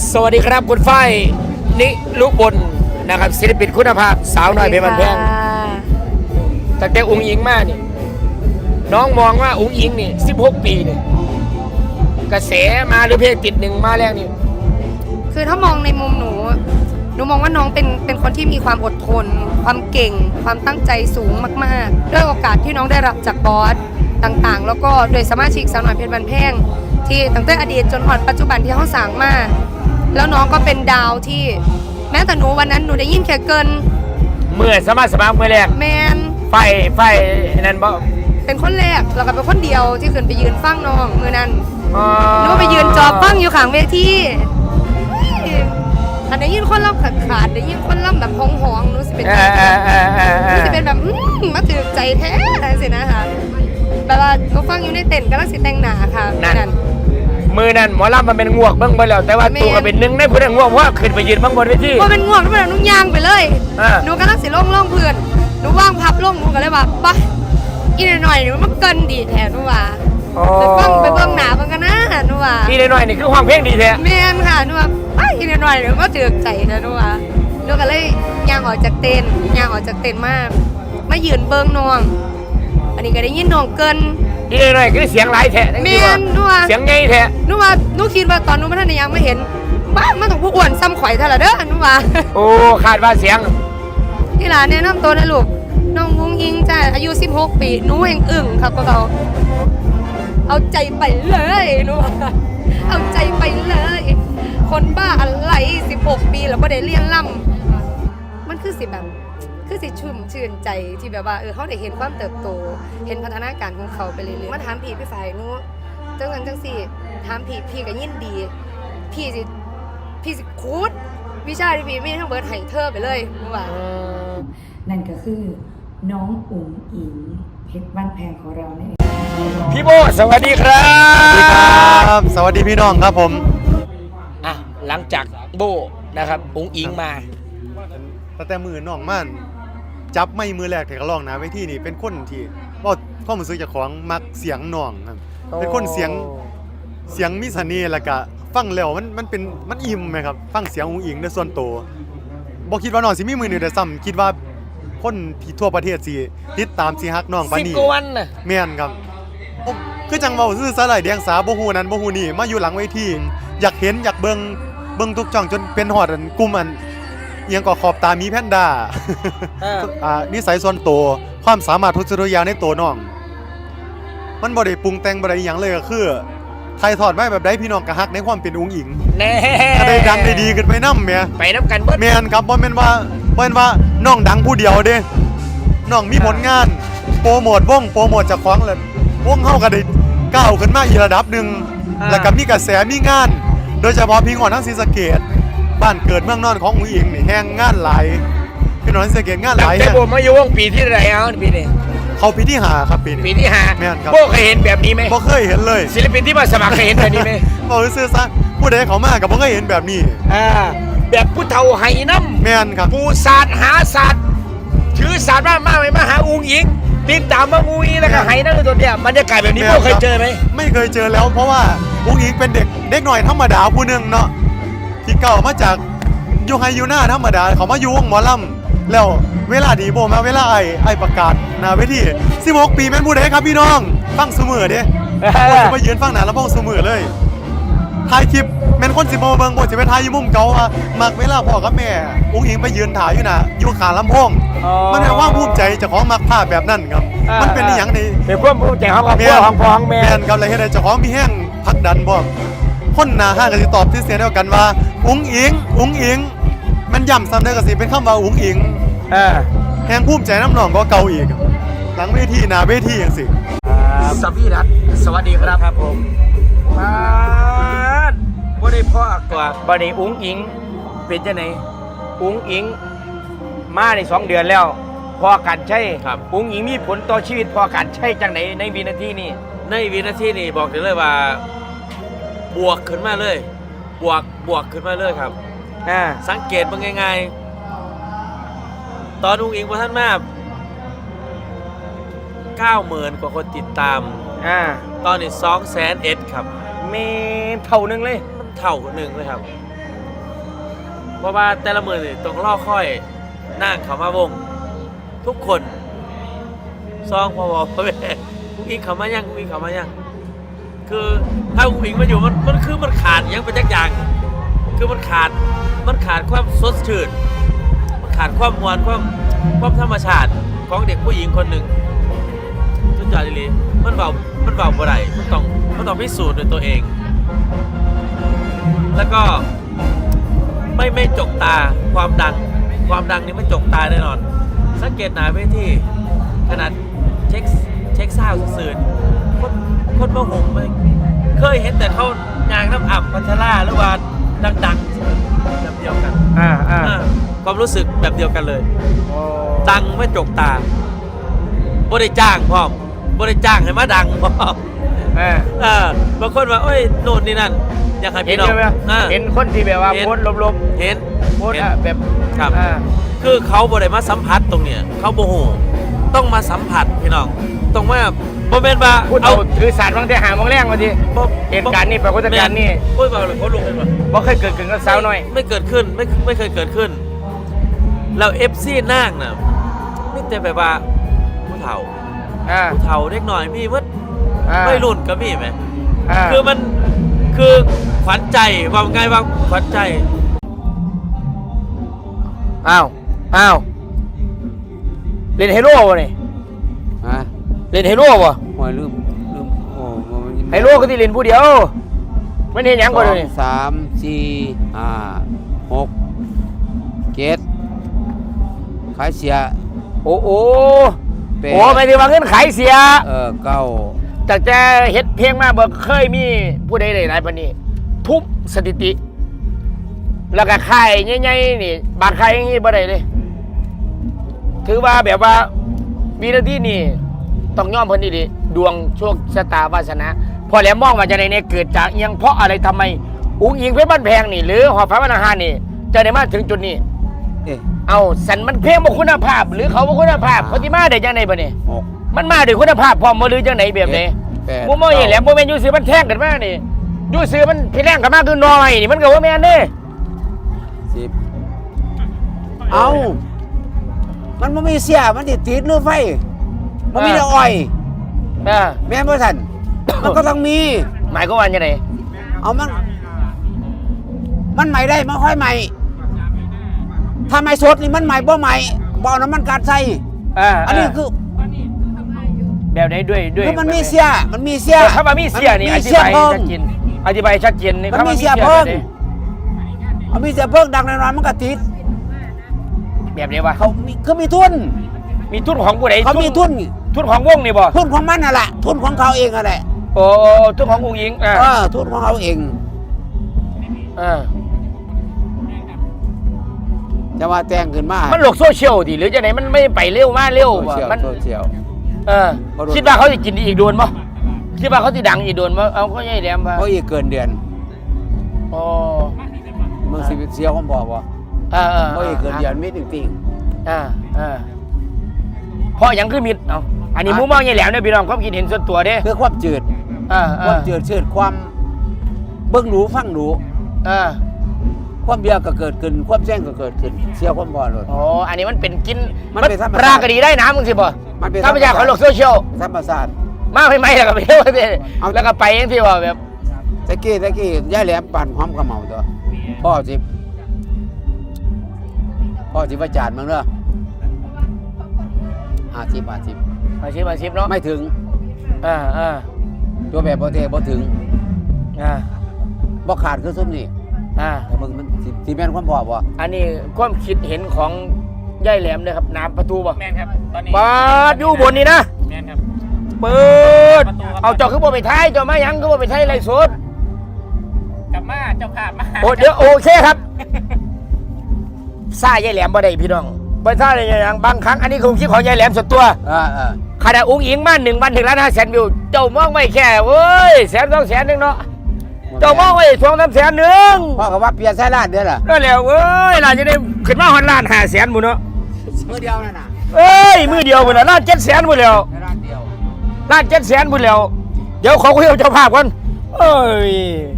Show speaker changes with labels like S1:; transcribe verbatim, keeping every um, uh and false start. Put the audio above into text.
S1: สวัสดีครับคุณฝ้ายนิลุบลนะครับศิลปินคุณภาพสาวน้อยเพชรบ้านแพงตั้งแต่อุ้งอิงมานี่น้องมองว่าอุ้งอิงนี่สิบหกปีนี่กระแสมาหรือเพลงติดหนึ่งมาแล้วนี่
S2: คือถ้ามองในมุมหนูหนูมองว่าน้องเป็นเป็นคนที่มีความอดทนความเก่งความตั้งใจสูงมากๆด้วยโอกาสที่น้องได้รับจากบอสต่างๆแล้วก็โดยสมาชิกสาวน้อยเพชรบ้านแพงที่ตั้งแต่อดีตจนถึงปัจจุบันที่เขาสร้างมาแล้วน้องก็เป็นดาวที่แม้แต่หนูวันนั้นหนูได้ยินแค่เกิน
S1: เมื่อสมัครสมัครเมื่อแรก
S2: แมน
S1: ไฟไฟนั่นบ่
S2: เป็นคนแรกแล้วก็เป็นคนเดียวที่ขึ้นไปยืนฟังน้องมือนั้นหนูไปยืนจอบฟังอยู่ข้างเวทีอันได้ยินคนล่ำขาดขาดได้ยินคนล่ำแบบห้องห้องหนูสิเป็นหนูสิเป็นแบบมาถือใจแท้สินะคะแบบว่าหนูฟังอยู่ในเต็นท์กำลังสิแต่งหน้าค่ะนั่น
S1: มือนั่นหมอลำมันเป็นงวกเบิ้งไปแล้วแต่ว่าตัวก็เป็นหนึ่งในผู้ได้งวกเพราะขึ้นไปยืนบ้างบนเวที
S2: ว่าเป็นงวกทุกคนหนูย่างไปเลยหนูกำลังสิล่องล่องเพื่อนหนูว่างพับล่องหนูก็เลยว่าปะอีกหน่อยหนูมันเกินดีแทนหนูว่าไปฟังไปเบิ้งหนามันกันนะหนูว่า
S1: อีกหน่อยนี่คือห้องเพลงดีแท้
S2: แม่นค่ะหนูว่าไปอีกหน่อยหนูก็เจือกใจนะหนูว่าหนูก็เลยย่างออกจากเต็นท์ย่างออกจากเต็นท์มากมายืนเบิ้งน้องอันนี้ก็ได้ยินน้องเกิน
S1: อีกหน่อยคือเสียงหลายแท้
S2: แม่นหนูว่า
S1: เสียงใหญ่แท้
S2: หนูว่าหนูคิดว่าตอนหนูมาท่านยังไม่เห็นบ้ามันต้องผู้อ้วนซ้ำข่อยเท่าไหร่เด้อหนูว่า
S1: โอ้คาดว่าเสียง
S2: ที่หลานแนะนำตัวนะลูกน้องวุ้งยิงจ้ะอายุสิบหกปีหนูเองอึ่งครับพวกเราเอาใจไปเลยหนูว่าเอาใจไปเลยคนบ้าอะไรสิบหกปีแล้วก็ได้เรียนล่ำมันคือสิแบบคือสิชุ่มชื่นใจที่แบบว่าเออเขาได้เห็นความเติบโตเห็นพัฒนาการของเขาไปเรื่อยๆมาถามพี่พี่ฝ่ายนู้จังสันจังสี่ถามพี่พี่ก็ยินดีพี่สิพี่สิคูดวิชาที่พี่มีทั้งเบิร์ดไห้เธอไปเลยว่า
S3: นั่นก็คือน้องอุ๋งอิงเพชรบ้านแพงของเราเนี่ย
S1: พี่โบสวัสดีครับ
S4: สวัสดีครับสวัสดีพี่น้องครับผม
S1: อ่ะหลังจากโบนะครับอุ๋งอิงมา
S4: ตั้งแต่มือน้องมันจับไม่มือแรกแต่ก็ลองนะเวทีนี่เป็นคนที่ว่าพ่อมือซื้อจากของมักเสียงน้องครับเป็นคนเสียงเสียงมิสเน่แล้วก็ฟังแล้วมันมันเป็นมันอิ่มไหมครับฟังเสียงอุ๋งอิงในส่วนตัวบอกคิดว่าน้องสิมีมือหนึ่งแต่ซ้ำคิดว่าคนที่ทั่วประเทศสิติดตามสิฮักน้องปานนี้
S1: สิบกว่าวันน่ะ
S4: แม่นครับคือจังเว้าซื่อสลายแดงสาบ่ฮู้นั้นบ่ฮู้นี่มาอยู่หลังเวทีอยากเห็นอยากเบิ่งเบิ่งทุกช่องจนเป็นฮอดอันกลุ่มอันเอียงก็ขอบตามีแพนด้าอ่านิสัยส่วนตัวความสามารถทุกสิ่งทุกอย่างในตัวน้องมันบ่ได้ปรุงแต่งบ่ได้หยังเลยก็คือไทยทอดมาแบบใดพี่น้องก็ฮักในความเป็นอุ๋งอิง
S1: แน่
S4: ได้ดังได้ดีขึ้นไปนำแม่
S1: ไปนำกันเบิด
S4: แม่นครับบ่แม่นว่าบ่แม่นว่าน้องดังผู้เดียวเด้น้องมีผลงานโปรโมทวงโปรโมทเจ้าของแล้ววงเฮาก็ได้ก้าวขึ้นมาอีกระดับนึงแล้วก็มีกระแสมีงานโดยเฉพาะพี่น้องทั้งศรีสะเกษบ้านเกิดเมืองนอนของอุ๋งอิงนี่แห้งงานหลายพี่น้องศรีสะเกษงานหลาย
S1: แต่โบมาอยู่วงปีที่ไหนเอาปีนี้
S4: เขาปีที่ห้าครับปีนี้
S1: ปีที่ห้า
S4: แม่นครับ
S1: โบเคยเห็นแบบนี้ไหม
S4: บ่เคยเห็นเลย
S1: ศิลปินที่มาสมัครเคยเห็นแบบนี้ไหม
S4: บอกซื่อซะผู้ใดเขามาก็บ่เคยเห็นแบบนี้
S1: อ่าแบบผู้เฒ่าไหน้ำ
S4: แม่นครับ
S1: ผู้ศาสตร์หาศาสตร์ถือศาสตร์มากมากเลยมาหาอุ๋งอิงติดตามมาอุ๋งอิงแล้วก็ไหน้ำตัวเนี้ยบรรยากาศแบบนี้โบเคยเจอไหม
S4: ไม่เคยเจอแล้วเพราะว่าอุ๋งอิงเป็นเด็กเด็กหน่อยธรรมดาผู้นึงเนาะที่เก่ามาจากอยู่ไฮยูน่าธรรมดาเขามาอยู่วงหมอลำแล้วเวลาดีโบมาเวลาไอ้ไอ้ประกาศหน้าเวทีสิบหกปีแม่นผู้ใดครับพี่น้องฟังเสมอเด้โบจะมายืนฟังหน้าลำโพงเสมอเลยถ่ายคลิปแม่นคนสิโบเบิ่งโบจะไปถ่ายอยู่มุมเก่าว่ามักเวลาพ่อกับแม่อุ๋งอิงไปยืนถ่ายอยู่น่ะอยู่ข้างลำโพงมันเป็นความภูมิใจเจ้าของมักภาพแบบนั้นครับมันเป็นอีหยังนี่
S1: เป็นความภูมิใจของครอบครัวของพ่อของแม่
S4: แม่นครับเลยเฮ็ดให้เจ้าของมีแห้งผลักดันบ่คนหน้าห้างก็สิตอบที่เสียงเดียวกันว่าอุ๋งอิงอุ๋งอิงมันย่ำซ้ำได้ก็สิเป็นคำว่าอุ๋งอิง
S1: เออ
S4: แห่งภูมิใจน้ำน้องก็เก่าอีกหลังเวทีหน้าเวทีจังซี่
S1: สวีรัตสวัสดีครับครับผมมาบ่ได้พ่อกว่าบ่ได้อุ๋งอิงเป็นจังได๋อุ๋งอิงมาได้สองเดือนแล้วพอกันใช่ครับอุ๋งอิงมีผลต่อชีวิตพอกันใช่จังได๋ในวินาทีนี้
S5: ในวินาทีนี้บอกได้เลยว่าบวกขึ้นมาเลยบวกบวกขึ้นมาเลยครับ
S1: อ่า
S5: สังเกตมันง่ายๆตอนอุ๋งอิงพอท่านมาเก้าหมื่นกว่าคนติดตาม
S1: อ่า
S5: ตอนนี้สองแสนเอ็ดครับ
S1: เมเท่านึงเลย
S5: มันเท่านึงเลยครับเพราะว่าแต่ละมือนี่ต้องล่อค่อยนั่งเขามาวง ทุกคนซองพอบอกพ่อแม่อุ้งอิงเขามายังอุ้งอิงเขามายังคือถ้าอุ้งอิงมาอยู่มันมันคือมันขาดยังเป็นจักอย่างคือมันขาดมันขาดความสดชื่นมันขาดความมวลความความธรรมชาติของเด็กผู้หญิงคนหนึ่งสุดยอดเลยมันเบามันเบาบ่ได้มันต้องมันต้องพิสูจน์ด้วยตัวเอง แล้วก็ไม่ไม่จกตาความดังความดังนี่ไม่จกตาแน่นอนสังเกตหนาเวทีขนาดเช็คเช็คซาวด์สื่อๆคนคนมาหงไหมเคยเห็นแต่เขายางน้ำอับพัชราหรือว่าดังๆแบบเดียวกัน
S1: อ่าอ่า
S5: อ่าความรู้สึกแบบเดียวกันเลย
S1: โอ้
S5: ดังไม่จกตาบ่ได้จ้างพร้อมบ่ได้จ้างให้มาดังพร้อม
S1: อ่า
S5: เออบางคนว่าโอ้ยโน่นนี่นั่นอยากให้
S1: เห็น
S5: พี่น้อง
S1: ใช่ไหม
S5: อ่า
S1: เห็นคนที่แบบว่า
S5: เห็น
S1: โพสต์ลบ
S5: เห็น
S1: ๆโพสต์อะแบบ
S5: ครับ
S1: อ่า
S5: คือเขาบ่ได้มาสัมผัสตรงเนี้ยเขาโมโหต้องมาสัมผัสพี่น้องต้องว่าบ่แม่นว่า
S1: พูดเอาถือสารบางทีหามองแรงมาที
S5: บ่
S1: เหตุการณ์นี้ปรากฏการณ์นี้
S5: โอ้ยบ่เลยเขาลงเลยบ่
S1: บ่เคยเกิดขึ้นกับสาวน้อย
S5: ไม่เกิดขึ้นไม่ไม่เคยเกิดขึ้น แล้ว เอฟ ซี นางน่ะมีแต่แบบว่าผู้เฒ่า
S1: อ่า
S5: ผู้เฒ่าเด็กน้อยมีหมด
S1: อ่า
S5: วัยรุ่นก็มีแหม
S1: อ่า
S5: คือมันคือขวัญใจว่าไงว่าขวัญใจ
S1: อ้าวอ้าวเล่นไฮโร่บ่นี่
S6: ฮะ
S1: เล่นไฮโร่บ่
S6: หัวลืมลืมโอ้โห
S1: ไฮโร่ก็ที่เล่นผู้เดียวมันเห็นหยังบ่เดี๋ยวนี้
S6: สามสี่ห้าหกเจ็ดขายเสีย
S1: โอ้โห
S6: แปด
S1: โอ้หมายถึงว่าเงินขายเสีย
S6: เออเก้า
S1: แต่แต่เฮ็ดเพลงมาบ่เคยมีผู้ใดได้หลายปานนี้ทุบสถิติ แล้วก็ค่ายใหญ่ๆนี่บางค่ายอย่างนี้บ่ได้เลย ถือว่าแบบว่าวินาทีนี่ต้องยอมเพิ่นดีๆดวงโชคชะตาวาสนาพอแล้วมองว่าจะได้เนี่ยเกิดจากอิหยังเพราะอะไรทำไมอุ้งอิงเพชรบ้านแพงนี่ หรือหอฟ้าวันอาหารนี่จะได้มาถึงจุดนี้
S6: เอ๊ะ
S1: เอาสันมันเพลงบ่คุณภาพ หรือเขาบ่คุณภาพเขาสิมาได้จังได๋บ่นี่
S6: หก
S1: มันมาด้วยคุณภาพพร้อมบ่หรือจังไดแบบใด
S6: แปด
S1: บ่มองเห็นแหล้วบ่แม่นอยู่ซื้อมันแท่งกันมานี่อยู่ซื้อมันพี่แรงกันมาคือน้อยนี่มันก็บ่แม่นเด้
S6: สิบเอามันไม่มีเสียมันติดติดหรือไฟมันมีแต่อ้อย
S1: เออ
S6: แม่นบ่ทัน มันก็ต้องมี
S1: หมายความว่าจังได๋
S6: เอามัน มันใหม่ได้มันค่อยใหม่ถ้าไม่สดนี่มันใหม่บ่ใหม่บ่เอาน้ำมันกัดใส่
S1: อ่า
S6: อันนี้คือ
S1: แบบใดด้วยด้วย
S6: คือมันมีเสียมันมีเสีย
S1: คำว่ามีเสียนี่อ
S6: มี
S1: ธิ
S6: เสีย
S1: บาย
S6: เพิ่ง
S1: ชัดเจนอธิบายชัดเจนนี่
S6: มัน
S1: คำ
S6: มี
S1: ว่า
S6: เสียเพิ่ง
S1: แบบใด
S6: มันมีเสียเพิ่งดังแน่นอนมันก็ติด
S1: แบบนี้วะ
S6: เขามีคือมีทุน
S1: มีทุนของผู้ใด
S6: เขามีทุน
S1: ทุนของวงนี่บ่
S6: ทุนของมันน่ะแหละทุนของเขาเองน่ะแหละ
S1: โอ้ทุนของอุ้งอิงอ่า
S6: เออทุนของเขาเอง
S1: อ่า
S6: จะว่าแต่งขึ้นมา
S1: มันโลกโซเชียลดิหรือจะไหนมันไม่ไปเร็วมาเร็ว
S6: โซ
S1: บ่
S6: เชียล
S1: มัน
S6: โซเชียล
S1: เออ
S6: บ่รู้
S1: คิดว่าเขาจะกินอีกโดนบ่คิดว่าเขาจะดังอีกโดนบ่เอาก็ใหญ่แหลมบ่
S6: เขาอีกเกินเดือน
S1: อ๋อ
S6: มึงสิเสียผมบอกว่า
S1: เออเออ
S6: เขาอีกเกินเดือนมิดจริง
S1: อ่าอ่าเพราะหยังคือมิดเอาอันนี้มุมมองใหญ่แหลมเนี่ยพี่น้องความคิดเห็นส่วนตัวเด้
S6: ๆคือความจืด
S1: อ่า
S6: ค
S1: อ่า
S6: วามจืดชืดความเบิ่งหรูฟังหรู
S1: อ่า
S6: ความเบียร์ก็เกิดขึ้นความแจ้งก็เกิดขึ้นเสียความบ่เลย
S1: อ๋ออันนี้มันเป็นกิน
S6: มันเป็นธรรมชาติ
S1: ปลากระดีได้น้ำมึงสิบ่
S6: มันเป็น
S1: ธรรมชาติของโลกโซเชียล
S6: ธรรมศาสตร์
S1: มาไม่ไม่แล้วก็ไปเที่ยวไป
S6: เอา
S1: แล้วก็ไปเองที่ว่าแบบ
S6: ตะกี้ตะกี้ย่าแหลมปั่นความกระเหมาตัวพ่อสิพ่อสิประจานมึงเด้อห้าสิบห้าสิบ
S1: อาชีพอาชีพเนาะ
S6: ไม่ถึง
S1: อ่าอ่า
S6: ตัวแบบบ่เทบ่ถึง
S1: อ่า
S6: บ่ขาดคือซุ่มนี่
S1: อ่า
S6: แต่มึงมันสิสิแม่นความพอบ่
S1: อันนี้ความคิดเห็นของย่ายแหลมเลยครับน้ำประตูบ่
S7: แมนครับ ตอนนี้
S1: เปิดอยู่บนนี่นะ
S7: แมนครับ
S1: เปิดเอาเจ้าคือบ่ไปท้ายเจ้ามาหยังคือบ่ไปท้ายไรสด
S7: กลับมาเจ้าภาพมา
S1: โอ้เดี๋ยวโอเคครับซ่าย่ายแหลมบ่ได้พี่น้องบ่ซ่าได้หยังบางครั้งอันนี้คือความคิดของย่ายแหลมส่วนตัว
S6: อ่าอ่า
S1: ขณะอุ้งอิงมาหนึ่งวันถึงล้านห้าแสนวิวเจ้ามองไม่แค่เว้ยแสนสองแสนหนึงเนาะเจ้ามองไว้สองสามแสนหนึ่ง
S6: พ่อก็ว่าเปลี่ยนใส่ร้านเด้อล่ะ
S1: นั่นแหละเว้ยน่าจะได้ขึ้นมาฮอนล้านห้าแสนหมู่เนาะ
S6: มือเดียวนั่นน่ะ
S1: เอ้ยมือเดียวหมดแล้วล้านเจ็ดแสนหมดแล้ว
S6: ในร้านเดียว
S1: ล้านเจ็ดแสนหมดแล้ว เดี๋ยวขอคุยกับเจ้าภาพก่อนเอ้ย